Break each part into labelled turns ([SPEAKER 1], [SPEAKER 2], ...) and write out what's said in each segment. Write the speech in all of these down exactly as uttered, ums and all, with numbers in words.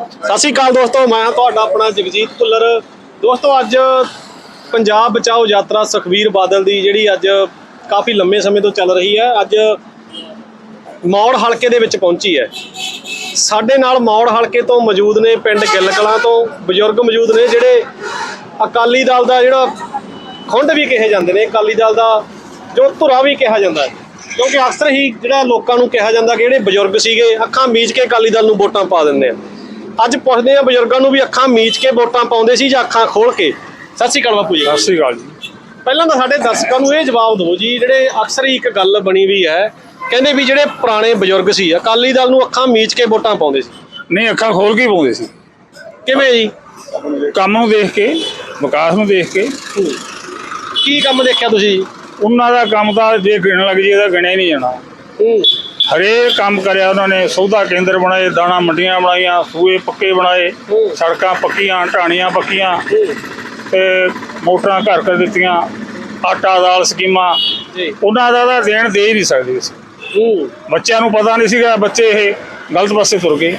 [SPEAKER 1] ਸਤਿ ਸ਼੍ਰੀ ਅਕਾਲ ਦੋਸਤੋ, ਮੈਂ ਤੁਹਾਡਾ ਆਪਣਾ ਜਗਜੀਤ ਭੁੱਲਰ। ਦੋਸਤੋ ਅੱਜ ਪੰਜਾਬ ਬਚਾਓ ਯਾਤਰਾ ਸੁਖਬੀਰ ਬਾਦਲ ਦੀ ਜਿਹੜੀ ਅੱਜ ਕਾਫੀ ਲੰਮੇ ਸਮੇਂ ਤੋਂ ਚੱਲ ਰਹੀ ਹੈ, ਅੱਜ ਮੌੜ ਹਲਕੇ ਦੇ ਵਿੱਚ ਪਹੁੰਚੀ ਹੈ। ਸਾਡੇ ਨਾਲ ਮੌੜ ਹਲਕੇ ਤੋਂ ਮੌਜੂਦ ਨੇ ਪਿੰਡ ਗਿੱਲ ਕਲਾਂ ਤੋਂ ਬਜ਼ੁਰਗ ਮੌਜੂਦ ਨੇ ਜਿਹੜੇ ਅਕਾਲੀ ਦਲ ਦਾ ਜਿਹੜਾ ਖੁੰਡ ਵੀ ਕਿਹਾ ਜਾਂਦੇ ਨੇ, ਅਕਾਲੀ ਦਲ ਦਾ ਜੋ ਧੁਰਾ ਵੀ ਕਿਹਾ ਜਾਂਦਾ ਹੈ, ਕਿਉਂਕਿ ਅਕਸਰ ਹੀ ਜਿਹੜਾ ਲੋਕਾਂ ਨੂੰ ਕਿਹਾ ਜਾਂਦਾ ਕਿ ਜਿਹੜੇ ਬਜ਼ੁਰਗ ਸੀਗੇ ਅੱਖਾਂ ਮੀਚ ਕੇ ਅਕਾਲੀ ਦਲ ਨੂੰ ਵੋਟਾਂ ਪਾ ਦਿੰਦੇ ਆ। ਅੱਜ ਪੁੱਛਦੇ ਆ ਬਜ਼ੁਰਗਾਂ ਨੂੰ ਵੀ ਅੱਖਾਂ ਮੀਚ ਕੇ ਵੋਟਾਂ ਪਾਉਂਦੇ ਸੀ ਜਾਂ ਅੱਖਾਂ ਖੋਲ ਕੇ। ਸਤਿ ਸ਼੍ਰੀ ਅਕਾਲ ਬਾਪੂ ਜੀ।
[SPEAKER 2] ਸਤਿ ਸ਼੍ਰੀ ਅਕਾਲ ਜੀ।
[SPEAKER 1] ਪਹਿਲਾਂ ਤਾਂ ਸਾਡੇ ਦਰਸ਼ਕਾਂ ਨੂੰ ਇਹ ਜਵਾਬ ਦਿਓ ਜੀ, ਜਿਹੜੇ ਅਕਸਰ ਹੀ ਇੱਕ ਗੱਲ ਬਣੀ ਵੀ ਹੈ, ਕਹਿੰਦੇ ਵੀ ਜਿਹੜੇ ਪੁਰਾਣੇ ਬਜ਼ੁਰਗ ਸੀ ਅਕਾਲੀ ਦਲ ਨੂੰ ਅੱਖਾਂ ਮੀਚ ਕੇ ਵੋਟਾਂ ਪਾਉਂਦੇ ਸੀ।
[SPEAKER 2] ਨਹੀਂ, ਅੱਖਾਂ ਖੋਲ ਕੇ ਪਾਉਂਦੇ ਸੀ।
[SPEAKER 1] ਕਿਵੇਂ ਜੀ?
[SPEAKER 2] ਕੰਮ ਨੂੰ ਦੇਖ ਕੇ, ਵਿਕਾਸ ਨੂੰ ਦੇਖ ਕੇ।
[SPEAKER 1] ਕੀ ਕੰਮ ਦੇਖਿਆ ਤੁਸੀਂ?
[SPEAKER 2] ਉਹਨਾਂ ਦਾ ਕੰਮ ਤਾਂ ਜੇ ਗਿਣਨ ਲੱਗ ਜੀ ਇਹਦਾ ਗਿਣਿਆ ਹੀ ਨਹੀਂ ਜਾਣਾ। ਹਰੇਕ ਕੰਮ ਕਰਿਆ ਉਹਨਾਂ ਨੇ। ਸੌਦਾ ਕੇਂਦਰ ਬਣਾਏ, ਦਾਣਾ ਮੰਡੀਆਂ ਬਣਾਈਆਂ, ਸੂਏ ਪੱਕੇ ਬਣਾਏ, ਸੜਕਾਂ ਪੱਕੀਆਂ, ਢਾਣੀਆਂ ਪੱਕੀਆਂ, ਤੇ ਮੋਟਰਾਂ ਘਰ ਕਰ ਦਿੱਤੀਆਂ, ਆਟਾ ਦਾਲ ਸਕੀਮਾਂ। ਉਹਨਾਂ ਦਾ ਤਾਂ ਦੇਣ ਦੇ ਹੀ ਨਹੀਂ ਸਕਦੇ ਸੀ। ਬੱਚਿਆਂ ਨੂੰ ਪਤਾ ਨਹੀਂ ਸੀਗਾ, ਬੱਚੇ ਇਹ ਗਲਤ ਪਾਸੇ ਤੁਰ ਗਏ।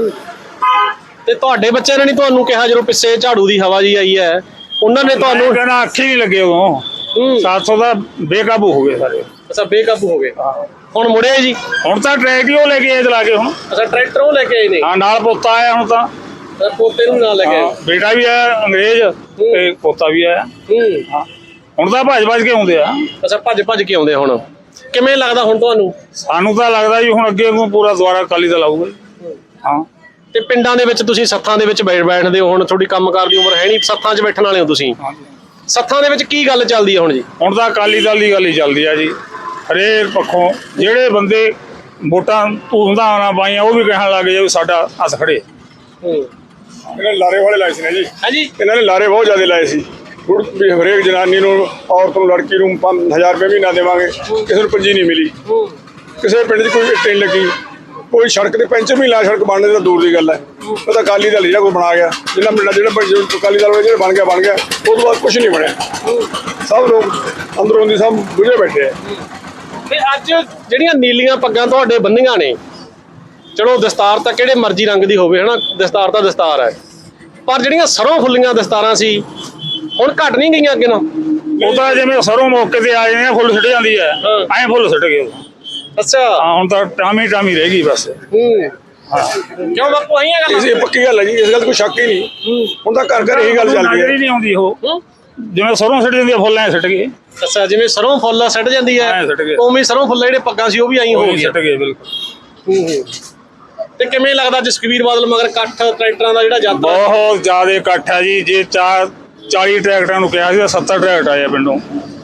[SPEAKER 1] ਤੇ ਤੁਹਾਡੇ ਬੱਚਿਆਂ ਨੇ ਨਹੀਂ ਤੁਹਾਨੂੰ ਕਿਹਾ ਜਦੋਂ ਪਿੱਛੇ ਝਾੜੂ ਦੀ ਹਵਾ ਜੀ ਆਈ ਹੈ, ਉਹਨਾਂ ਨੇ ਤੁਹਾਨੂੰ
[SPEAKER 2] ਕਹਿਣਾ ਅੱਖੀ ਨਹੀਂ ਲੱਗੇ ਉਦੋਂ। ਸੱਤ ਸੌ ਦਾ ਬੇਕਾਬੂ ਹੋ ਗਏ ਸਾਰੇ।
[SPEAKER 1] ਅੱਛਾ, ਬੇਕਾਬੂ ਹੋ ਗਏ। ਹੁਣ ਮੁੜਿਆ ਜੀ? ਹੁਣ
[SPEAKER 2] ਤਾਂ ਟਰੈਕਟਰ ਹੀ ਉਹ ਲੈ ਕੇ ਆਏ ਚਲਾ ਕੇ। ਹੁਣ
[SPEAKER 1] ਅੱਛਾ, ਟਰੈਕਟਰ ਉਹ ਲੈ ਕੇ ਆਏ ਨੇ?
[SPEAKER 2] ਹਾਂ, ਨਾਲ ਪੋਤਾ ਆਇਆ ਹੁਣ ਤਾਂ।
[SPEAKER 1] ਪੋਤੇ ਨੂੰ ਨਾਲ ਲੈ ਕੇ ਆਏ?
[SPEAKER 2] ਬੇਟਾ ਵੀ ਆਇਆ ਅੰਗਰੇਜ਼ ਤੇ ਪੋਤਾ ਵੀ ਆਇਆ। ਹਾਂ, ਹੁਣ ਤਾਂ ਭੱਜ ਭੱਜ ਕੇ ਆਉਂਦੇ ਆ।
[SPEAKER 1] ਅੱਛਾ, ਭੱਜ ਭੱਜ ਕੇ ਆਉਂਦੇ। ਹੁਣ ਕਿਵੇਂ ਲੱਗਦਾ ਹੁਣ ਤੁਹਾਨੂੰ?
[SPEAKER 2] ਸਾਨੂੰ ਤਾਂ ਲੱਗਦਾ ਜੀ ਹੁਣ ਅੱਗੇ ਨੂੰ ਪੂਰਾ ਦੁਆਰਾ ਅਕਾਲੀ ਦਲ ਆਊਗਾ। ਹਾਂ।
[SPEAKER 1] ਤੇ ਪਿੰਡਾਂ ਦੇ ਵਿੱਚ ਤੁਸੀਂ ਸੱਥਾਂ ਦੇ ਵਿੱਚ ਬੈਠ ਬੈਠਦੇ ਹੋ, ਹੁਣ ਤੁਹਾਡੀ ਕੰਮਕਾਰ ਦੀ ਉਮਰ ਹੈ ਨਹੀਂ, ਸੱਥਾਂ 'ਚ ਬੈਠਣ ਵਾਲੇ ਹੋ ਤੁਸੀਂ। ਸੱਥਾਂ ਦੇ ਵਿੱਚ ਕੀ ਗੱਲ ਚੱਲਦੀ ਹੈ ਹੁਣ ਜੀ?
[SPEAKER 2] ਹੁਣ ਤਾਂ ਅਕਾਲੀ ਦਲ ਦੀ ਗੱਲ ਹੀ ਚੱਲਦੀ ਆ ਜੀ। ਹਰੇਕ ਪੱਖੋਂ ਜਿਹੜੇ ਬੰਦੇ ਵੋਟਾਂ ਧੂਮਧਾਮ ਨਾਲ ਪਾਈਆਂ ਉਹ ਵੀ ਕਹਿਣ ਲੱਗ ਗਏ ਵੀ ਸਾਡਾ ਹੱਥ ਖੜੇ। ਇਹਨਾਂ ਨੇ ਲਾਰੇ ਵਾਲੇ ਲਾਏ ਸੀ ਨਾ ਜੀ।
[SPEAKER 1] ਹਾਂਜੀ,
[SPEAKER 2] ਇਹਨਾਂ ਨੇ ਲਾਰੇ ਬਹੁਤ ਜ਼ਿਆਦਾ ਲਾਏ ਸੀ। ਵੀ ਹਰੇਕ ਜਨਾਨੀ ਨੂੰ, ਔਰਤ ਨੂੰ, ਲੜਕੀ ਨੂੰ ਪੰਜ ਹਜ਼ਾਰ ਰੁਪਏ ਮਹੀਨਾ ਦੇਵਾਂਗੇ। ਕਿਸੇ ਨੂੰ ਪੰਜੀ ਨਹੀਂ ਮਿਲੀ, ਕਿਸੇ ਪਿੰਡ 'ਚ ਕੋਈ ਇੱਟ ਨਹੀਂ ਲੱਗੀ, ਕੋਈ ਸੜਕ ਤੇ ਪੈਂਚਰ ਵੀ ਲਾ, ਸੜਕ ਬਣਨੇ ਤਾਂ ਦੂਰ ਦੀ ਗੱਲ ਹੈ। ਉਹ ਤਾਂ ਅਕਾਲੀ ਦਲ ਜਿਹੜਾ ਕੋਈ ਬਣਾ ਗਿਆ, ਜਿੰਨਾ ਪਿੰਡਾਂ ਜਿਹੜਾ ਅਕਾਲੀ ਦਲ ਵਾਲੇ ਜਿਹੜਾ ਬਣ ਗਿਆ ਬਣ ਗਿਆ, ਉਹ ਤੋਂ ਬਾਅਦ ਕੁਛ ਨਹੀਂ ਬਣਿਆ। ਸਭ ਲੋਕ ਅੰਦਰੋਂ ਦੀ ਸਭ ਬੁਝੇ ਬੈਠੇ ਆ।
[SPEAKER 1] ਤੇ ਅੱਜ ਜਿਹੜੀਆਂ ਨੀਲੀਆਂ ਪੱਗਾਂ ਤੁਹਾਡੇ ਬੰਨੀਆਂ ਨੇ, ਚਲੋ ਦਸਤਾਰ ਤਾਂ ਕਿਹੜੇ ਮਰਜ਼ੀ ਰੰਗ ਦੀ ਹੋਵੇ ਹਨਾ, ਦਸਤਾਰ ਤਾਂ ਦਸਤਾਰ ਹੈ, ਪਰ ਜਿਹੜੀਆਂ ਸਰੋਂ ਫੁੱਲੀਆਂ ਦਸਤਾਰਾਂ ਸੀ ਹੁਣ ਘਟ ਨਹੀਂ ਗਈਆਂ ਅੱਗੇ ਨਾਲ?
[SPEAKER 2] ਉਹ ਤਾਂ ਜਿਵੇਂ ਸਰੋਂ ਮੌਕੇ ਤੇ ਆ ਜਾਂਦੇ ਫੁੱਲ ਸਿੱਟ ਜਾਂਦੀ ਹੈ, ਐਂ ਫੁੱਲ ਸਿੱਟ ਗਏ।
[SPEAKER 1] ਅੱਛਾ,
[SPEAKER 2] ਹਾਂ, ਹੁਣ ਤਾਂ ਟਾਮੀ ਟਾਮੀ ਰਹਿ ਗਈ ਬਸ।
[SPEAKER 1] ਕਿਉਂ ਬਾਪੂ? ਆਈ ਗੱਲ
[SPEAKER 2] ਇਹ ਪੱਕੀ ਗੱਲ ਹੈ ਜੀ, ਇਸ ਗੱਲ ਕੋਈ ਸ਼ੱਕ ਹੀ ਨਹੀਂ। ਹੁਣ ਤਾਂ ਘਰ ਘਰ ਇਹੀ ਗੱਲ ਚੱਲਦੀ ਹੈ। ਨਹੀਂ ਆਉਂਦੀ ਉਹ, ਜਿਵੇਂ ਸਰੋਂ ਸਿੱਟ ਜਾਂਦੀ ਹੈ ਫੁੱਲ ਐਂ ਸਿੱਟ ਗਏ।
[SPEAKER 1] ਅੱਛਾ, ਜਿਵੇਂ ਸਰੋਂ ਫੁੱਲ ਸਿੱਟ ਜਾਂਦੀ ਹੈ ਉਵੇਂ ਸਰੋਂ ਫੁੱਲ ਜਿਹੜੇ ਪੱਗਾਂ ਸੀ ਉਹ ਵੀ ਆਈ ਹੋ ਗਈਆਂ,
[SPEAKER 2] ਸਿੱਟ ਗਏ ਬਿਲਕੁਲ।
[SPEAKER 1] ਤੇ ਕਿਵੇਂ ਲੱਗਦਾ ਜਸਕਬੀਰ ਬਾਦਲ ਮਗਰ ਇਕੱਠ ਟਰੈਕਟਰਾਂ ਦਾ ਜਿਹੜਾ ਜਾਂਦਾ?
[SPEAKER 2] ਬਹੁਤ ਜ਼ਿਆਦਾ ਇਕੱਠ ਹੈ ਜੀ। ਜੇ ਚਾਰ ਚਾਲੀ ਟਰੈਕਟਰਾਂ ਨੂੰ ਕਿਹਾ ਸੀ, ਸੱਤਰ ਟਰੈਕਟਰ ਆਏ ਪਿੰਡੋਂ।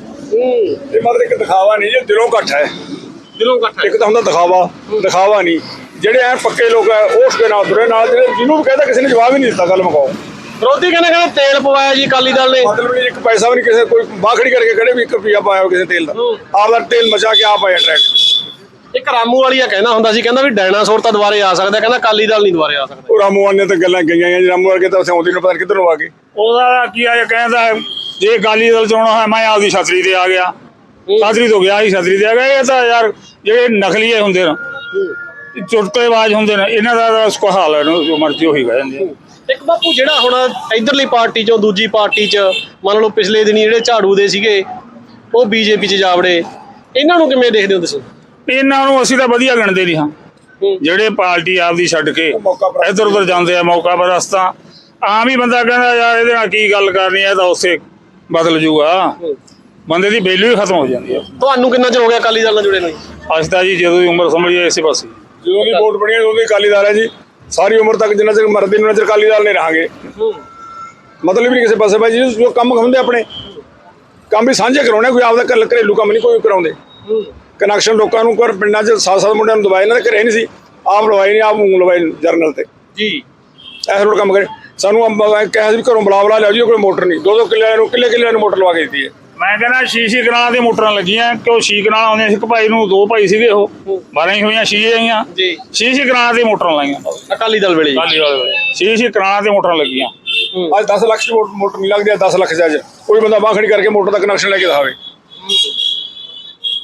[SPEAKER 2] ਇਹ ਮਤਲਬ ਇੱਕ ਦਿਖਾਵਾ ਨਹੀਂ ਜੀ, ਦਿਲੋਂ ਇਕੱਠ ਹੈ।
[SPEAKER 1] ਦਿਲੋਂ ਇਕੱਠ।
[SPEAKER 2] ਇੱਕ ਤਾਂ ਹੁੰਦਾ ਦਿਖਾਵਾ, ਦਿਖਾਵਾ ਨਹੀਂ। ਜਿਹੜੇ ਐ ਪੱਕੇ ਲੋਕ ਹੈ ਉਸ ਦੇ ਨਾਲ ਤੁਰੇ, ਨਾਲ ਜਿਹੜੇ ਜਿਹਨੂੰ ਵੀ ਕਹਿੰਦਾ ਕਿਸੇ ਨੇ ਜਵਾਬ ਹੀ ਨਹੀਂ ਦਿੱਤਾ। ਗੱਲ ਮੁਕਾਓ।
[SPEAKER 1] ਵਿਰੋਧੀ ਕਹਿੰਦੇ ਕਹਿੰਦੇ ਤੇਲ ਪਵਾਇਆ ਜੀ ਅਕਾਲੀ ਦਲ ਨੇ।
[SPEAKER 2] ਮਤਲਬ ਇੱਕ ਪੈਸਾ ਵੀ ਨਹੀਂ ਕਿਸੇ ਕੋਈ ਬਾਖੜੀ ਕਰਕੇ ਖੜੇ ਵੀ ਇੱਕ ਰੁਪਈਆ ਪਾਇਆ ਕਿਸੇ ਤੇਲ ਦਾ। ਆਪਦਾ ਤੇਲ ਮਚਾ ਕੇ ਆਪ ਆਇਆ ਟਰੈਕਟਰ।
[SPEAKER 1] ਇੱਕ ਰਾਮੂ ਵਾਲੀਆ ਕਹਿੰਦਾ ਹੁੰਦਾ ਸੀ, ਕਹਿੰਦਾ ਵੀ ਡਾਇਨਾਸੌਰ ਤਾਂ ਦੁਬਾਰੇ ਆ ਸਕਦਾ, ਕਹਿੰਦਾ ਅਕਾਲੀ ਦਲ ਨਹੀਂ ਦੁਬਾਰੇ ਆ ਸਕਦਾ।
[SPEAKER 2] ਉਹ ਰਾਮੂ ਵਾਲੇ ਤਾਂ ਗੱਲਾਂ ਗਈਆਂ ਜੀ। ਰਾਮੂ ਵਰਗੇ ਤਾਂ ਆਉਂਦੀ ਨੂੰ ਪਤਾ ਕਿੱਧਰੋਂ ਆ ਗਏ। ਉਹਦਾ ਕੀ ਆ ਕਹਿੰਦਾ ਜੇ ਅਕਾਲੀ ਦਲ ਚ ਆਉਣਾ ਹੈ ਮੈਂ ਆਪਦੀ ਛਤਰੀ ਤੇ ਆ ਗਿਆ, ਛਤਰੀ ਤੋਂ ਗਿਆ ਹੀ ਛਤਰੀ ਤੇ ਆ ਗਿਆ। ਇਹ ਤਾਂ ਯਾਰ ਜਿਹੜੇ ਨਕਲੀਏ ਹੁੰਦੇ ਨੇ, ਚੁਟਕਲੇਬਾਜ਼ ਹੁੰਦੇ ਨੇ, ਇਹਨਾਂ ਦਾ ਉਸਕੋ ਹਾਲ ਹੈ ਜੋ ਮਰਜ਼ੀ ਉਹੀ ਕਹਿ ਜਾਂਦੇ ਆ।
[SPEAKER 1] ਇੱਕ ਬਾਪੂ ਜਿਹੜਾ ਹੁਣ ਇਧਰਲੀ ਪਾਰਟੀ ਚੋਂ ਦੂਜੀ ਪਾਰਟੀ ਚ ਮੰਨ ਲਓ ਪਿਛਲੇ ਦਿਨੀ ਜਿਹੜੇ ਝਾੜੂ ਦੇ ਸੀਗੇ ਉਹ ਬੀਜੇਪੀ ਚ ਜਾ ਵੜੇ, ਇਹਨਾਂ ਨੂੰ ਕਿਵੇਂ ਦੇਖਦੇ ਹੋ ਤੁਸੀਂ?
[SPEAKER 2] ਇਹਨਾਂ ਨੂੰ ਅਸੀਂ ਤਾਂ ਵਧੀਆ ਗਿਣਦੇ ਨਹੀਂ ਹਾਂ। ਜਿਹੜੇ ਪਾਰਟੀ ਆਪਦੀ ਛੱਡ ਕੇ ਇੱਧਰ ਉੱਧਰ ਜਾਂਦੇ ਆ ਮੌਕਾ ਪਰਸਤਾਂ। ਆਮ ਹੀ ਬੰਦਾ ਕਹਿੰਦਾ ਯਾਰ ਇਹਦੇ ਨਾਲ ਕੀ ਗੱਲ ਕਰਨੀ ਹੈ, ਤਾਂ ਉਸੇ ਬਦਲ ਜੂਗਾ। ਬੰਦੇ ਦੀ ਵੈਲਿਊ ਹੀ ਖਤਮ ਹੋ ਜਾਂਦੀ ਹੈ।
[SPEAKER 1] ਤੁਹਾਨੂੰ ਕਿੰਨਾ ਚਿਰ ਹੋ ਗਿਆ ਅਕਾਲੀ ਦਲ ਨਾਲ ਜੁੜੇ ਨੂੰ?
[SPEAKER 2] ਅੱਜ ਤਾਂ ਜੀ ਜਦੋਂ ਦੀ ਉਮਰ ਸਮਝੀਏ ਇਸੇ ਪਾਸੇ, ਜਦੋਂ ਦੀ ਵੋਟ ਬਣੀ ਉਦੋਂ ਦੀ ਅਕਾਲੀ ਦਲ ਹੈ ਜੀ। ਸਾਰੀ ਉਮਰ ਤੱਕ ਜਿੰਨਾ ਚਿਰ ਮਰਦੇ ਉਹਨਾਂ ਚਿਰ ਅਕਾਲੀ ਦਲ ਨਹੀਂ ਰਹਾਂਗੇ। ਮਤਲਬ ਵੀ ਨਹੀਂ ਕਿਸੇ ਪਾਸੇ ਭਾਈ ਜੀ। ਜੋ ਕੰਮ ਹੁੰਦੇ ਆਪਣੇ ਕੰਮ ਵੀ ਸਾਂਝੇ ਕਰਾਉਣੇ, ਕੋਈ ਆਪਦਾ ਘਰ ਘਰੇਲੂ ਕੰਮ ਨਹੀਂ ਕੋਈ ਕਰਾਉਂਦੇ। ਕਨੈਕਸ਼ਨ ਲੋਕਾਂ ਨੂੰ ਕਰ ਪਿੰਡਾਂ 'ਚ ਸੱਤ ਸੱਤ ਮੁੰਡਿਆਂ ਨੂੰ ਦਵਾਈ ਇਹਨਾਂ ਦੇ ਘਰੇ ਨਹੀਂ ਸੀ, ਆਪ ਲਵਾਈ ਨਹੀਂ, ਆਪ ਮੂੰਹ ਲਵਾਈ ਜਰਨਲ ਤੇ ਜੀ। ਇਹੋ ਜਿਹਾ ਕੰਮ ਕਰੇ। ਸਾਨੂੰ ਕਿਹਾ ਸੀ ਵੀ ਘਰੋਂ ਬੁਲਾ ਬੁਲਾ ਲਿਆਓ ਜੀ, ਕੋਈ ਮੋਟਰ ਨਹੀਂ। ਦੋ ਦੋ ਕਿੱਲਿਆਂ ਨੂੰ ਕਿੱਲੇ ਕਿੱਲਿਆਂ ਨੂੰ ਮੋਟਰ ਲਵਾ ਕੇ ਦਿੱਤੀ ਹੈ। ਮੈਂ ਕਹਿੰਦਾ ਛੇ-ਛੇ ਕਨਾਲਾਂ ਦੀਆਂ ਮੋਟਰਾਂ ਲੱਗੀਆਂ, ਕਿਉਂ ਛੇ ਕਨਾਲਾਂ ਆਉਂਦੀਆਂ ਸੀ। ਇੱਕ ਭਾਈ ਨੂੰ ਦੋ ਭਾਈ ਸੀਗੇ, ਉਹ ਬਾਰਾਂ ਹੀ ਹੋਈਆਂ, ਛੇ ਆਈਆਂ ਜੀ। ਛੇ-ਛੇ ਕਨਾਲਾਂ ਦੀਆਂ ਮੋਟਰਾਂ ਲਾਈਆਂ
[SPEAKER 1] ਅਕਾਲੀ ਦਲ ਵੇਲੇ।
[SPEAKER 2] ਅਕਾਲੀ ਦਲ ਵੇਲੇ ਛੇ-ਛੇ ਕਨਾਲਾਂ ਦੀਆਂ ਮੋਟਰਾਂ ਲੱਗੀਆਂ। ਅੱਜ ਦਸ ਲੱਖ ਦੀ ਮੋਟਰ ਨਹੀਂ ਲੱਗਦੀ, ਦਸ ਲੱਖ 'ਚ ਅੱਜ ਕੋਈ ਬੰਦਾ ਬਾਂਹ ਖੜੀ ਕਰਕੇ ਮੋਟਰ ਦਾ ਕਨੈਕਸ਼ਨ ਲੈ ਕੇ ਦਿਖਾਵੇ।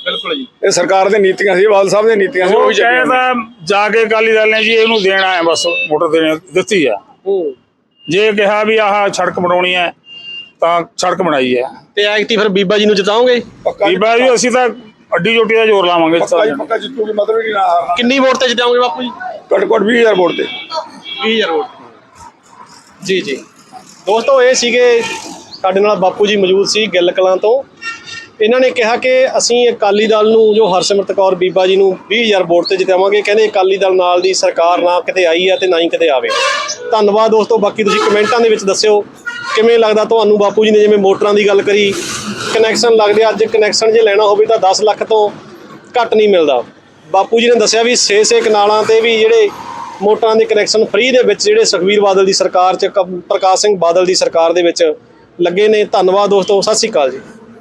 [SPEAKER 1] ਬਿਲਕੁਲ ਜੀ।
[SPEAKER 2] ਇਹ ਸਰਕਾਰ ਦੀਆਂ ਨੀਤੀਆਂ ਸੀ, ਬਾਦਲ ਸਾਹਿਬ ਦੀਆਂ ਨੀਤੀਆਂ ਸੀ, ਉਹ
[SPEAKER 3] ਉਹ
[SPEAKER 2] ਵੀ ਚੱਲੀਆਂ ਨੇ।
[SPEAKER 3] ਕਹਿੰਦਾ ਜਾ ਕੇ ਅਕਾਲੀ ਦਲ ਨੇ ਜੀ ਇਹਨੂੰ ਦੇਣਾ ਹੈ, ਬਸ ਮੋਟਰ ਦੇਣੀ ਦਿੱਤੀ ਆ।
[SPEAKER 1] ਹੂੰ
[SPEAKER 3] ਜੇ ਕਿਹਾ ਵੀ ਆਹ ਸੜਕ ਬਣਾਉਣੀ ਹੈ ਤਾਂ ਸੜਕ ਬਣਾਈ ਹੈ।
[SPEAKER 1] ਤੇ ਐਕਟੀ ਫਿਰ ਬੀਬਾ ਜੀ ਨੂੰ ਜਿਤਾਓਗੇ?
[SPEAKER 2] ਪੱਕਾ ਜੀ,
[SPEAKER 3] ਬੀਬਾ ਜੀ ਅਸੀਂ ਤਾਂ ਅੱਡੀ ਚੋਟੀ ਦਾ ਜ਼ੋਰ ਲਾਵਾਂਗੇ।
[SPEAKER 2] ਪੱਕਾ ਜੀ, ਪੱਕਾ ਜਿੱਤੂਗੀ, ਮਤਲਬ ਹੀ ਨਹੀਂ ਨਾ ਹਾਰਨਾ।
[SPEAKER 1] ਕਿੰਨੀ ਵੋਟ ਤੇ ਜਿਤਾਓਗੇ ਬਾਪੂ ਜੀ?
[SPEAKER 2] ਘੱਟ ਘੱਟ ਵੀਹ ਹਜ਼ਾਰ ਵੋਟ ਤੇ।
[SPEAKER 1] ਵੀਹ ਹਜ਼ਾਰ ਵੋਟ। ਜੀ ਜੀ ਦੋਸਤੋ, ਇਹ ਸੀਗੇ ਸਾਡੇ ਨਾਲ ਬਾਪੂ ਜੀ ਮੌਜੂਦ ਸੀ ਗਿੱਲ ਕਲਾਂ ਤੋਂ। ਇਹਨਾਂ ਨੇ ਕਿਹਾ ਕਿ ਅਸੀਂ ਅਕਾਲੀ ਦਲ ਨੂੰ, ਜੋ ਹਰਸਿਮਰਤ ਕੌਰ ਬੀਬਾ ਜੀ ਨੂੰ ਵੀਹ ਹਜ਼ਾਰ ਵੋਟ ਤੇ ਜਿਤਾਵਾਂਗੇ। ਕਹਿੰਦੇ ਅਕਾਲੀ ਦਲ ਨਾਲ ਦੀ ਸਰਕਾਰ ਨਾ ਕਿਤੇ ਆਈ ਹੈ ਤੇ ਨਾ ਹੀ ਕਿਤੇ ਆਵੇ। ਧੰਨਵਾਦ ਦੋਸਤੋ। ਬਾਕੀ ਤੁਸੀਂ ਕਮੈਂਟਾਂ ਦੇ ਵਿੱਚ ਦੱਸਿਓ ਕਿਵੇਂ ਲੱਗਦਾ ਤੁਹਾਨੂੰ। ਬਾਪੂ ਜੀ ਨੇ ਜਿਵੇਂ ਮੋਟਰਾਂ ਦੀ ਗੱਲ ਕਰੀ, ਕਨੈਕਸ਼ਨ ਲੱਗਦੇ, ਅੱਜ ਕਨੈਕਸ਼ਨ ਜੇ ਲੈਣਾ ਹੋਵੇ ਤਾਂ ਦਸ ਲੱਖ ਤੋਂ ਘੱਟ ਨਹੀਂ ਮਿਲਦਾ। ਬਾਪੂ ਜੀ ਨੇ ਦੱਸਿਆ ਵੀ ਛੇ ਛੇ ਕਨਾਲਾਂ ਤੇ ਵੀ ਜਿਹੜੇ ਮੋਟਰਾਂ ਦੇ ਕਨੈਕਸ਼ਨ ਫ੍ਰੀ ਦੇ ਵਿੱਚ ਜਿਹੜੇ ਸੁਖਬੀਰ ਬਾਦਲ ਦੀ ਸਰਕਾਰ 'ਚ, ਪ੍ਰਕਾਸ਼ ਸਿੰਘ ਬਾਦਲ ਦੀ ਸਰਕਾਰ ਦੇ ਵਿੱਚ ਲੱਗੇ ਨੇ। ਧੰਨਵਾਦ ਦੋਸਤੋ, ਸਤਿ ਸ਼੍ਰੀ ਅਕਾਲ ਜੀ।